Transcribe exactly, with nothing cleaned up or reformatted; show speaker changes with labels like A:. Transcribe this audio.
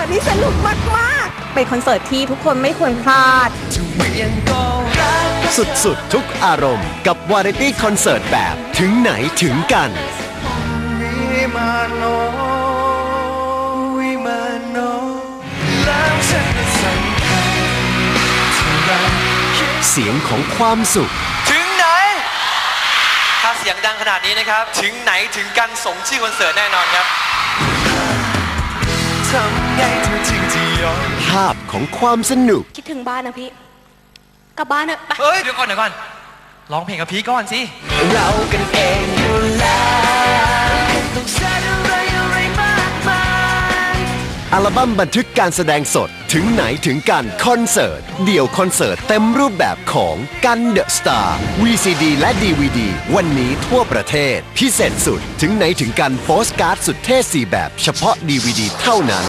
A: นี้สนุกมากๆเป็นคอนเสิร์ตที่ทุกคนไม่ควรพลาด
B: สุดๆทุกอารมณ์กับวาไรตี้คอนเสิร์ตแบบถึงไหนถึงกันเสียงของความสุข
C: ถึงไหนถ้าเสียงดังขนาดนี้นะครับถึงไหนถึงกันสมชื่อคอนเสิร์ตแน่นอนครับ
B: ภาพของความสนุก
A: คิดถึงบ้านนะพี่กลับบ้านเถอะไป
C: เฮ้ยเดี๋ยวก่อนเดี๋ยวก่อนร้องเพลงกับพี่ก่อนสิ
B: เรากันเองอยู่แล้วต้องแสดงอะไรอะไรมากมายอัลบั้มบันทึกการแสดงสดถึงไหนถึงกันคอนเสิร์ตเดี่ยวคอนเสิร์ตเต็มรูปแบบของกันเดอะสตาร์ วี ซี ดี และ ดี วี ดี วันนี้ทั่วประเทศพิเศษสุดถึงไหนถึงกันโปสการ์ดสุดเท่สี่แบบเฉพาะ ดี วี ดี เท่านั้น